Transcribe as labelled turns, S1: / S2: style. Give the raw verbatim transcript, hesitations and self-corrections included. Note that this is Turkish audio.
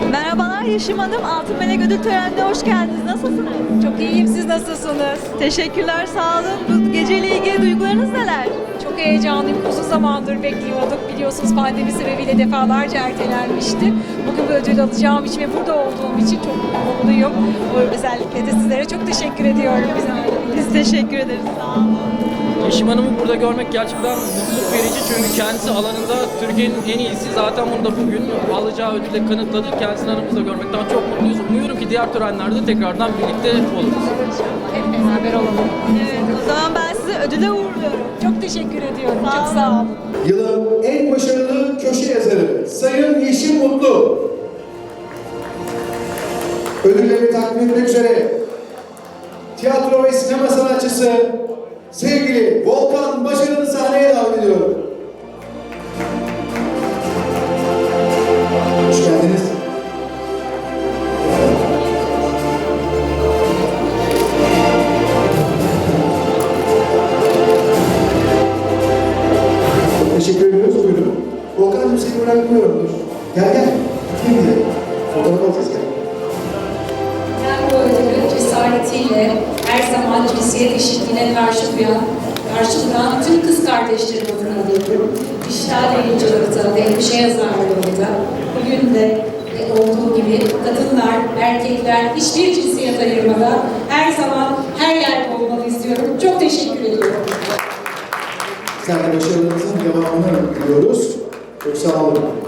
S1: Merhabalar Yeşim Hanım, Altın Melek Ödül Töreni'ne hoş geldiniz. Nasılsınız?
S2: Çok iyiyim, siz nasılsınız?
S1: Teşekkürler, sağ olun. Bu geceyle ilgili duygularınız neler?
S2: Çok heyecanlıyım, uzun zamandır bekliyorduk. Biliyorsunuz pandemi sebebiyle defalarca ertelenmişti. Bugün bu ödül alacağım için ve burada olduğum için çok mutluyum. Özellikle de sizlere çok teşekkür ediyorum. Bize
S1: Biz teşekkür ederiz, sağ olun.
S3: Yeşim Hanım'ı burada görmek gerçekten mutluluk verici çünkü kendisi alanında Türkiye'nin en iyisi. Zaten bunu da bugün alacağı ödülle kanıtladı. Kendisini aramızda görmekten çok mutluyuz. Umuyorum ki diğer törenlerde tekrardan birlikte oluruz.
S2: hep beraber olalım.
S1: Evet, o zaman ben sizi ödüle uğurluyorum.
S2: Çok teşekkür ediyorum,
S1: Sağ
S2: çok
S1: olun.
S2: sağ olun.
S4: Yılın en başarılı köşe yazarı Sayın Yeşim Mutlu. Ödülleri takdim etmek üzere tiyatro ve sinema sanatçısı sevgili Volkan Başarı'nı sahneye davet ediyorum. Hoş geldiniz. Çok teşekkür ediyoruz. Buyurun. Volkan'cığım seni bırakmıyorumdur. Gel gel. Gel bize. Fotoğraf alacağız gel.
S5: Ben bu ödülü cesaretiyle her zaman cinsiyet eşitliğine karşı duran, karşı duran tüm kız kardeşlerim adına alıyorum. Dijital yayıncılıkta ve köşe yazarlığında bugün de olduğu gibi kadınlar, erkekler hiçbir cinsiyet ayırmadan her zaman her yerde olmanı istiyorum. Çok teşekkür ediyorum.
S4: Sen de başarılarınızın devamını diliyoruz. Çok sağ olun.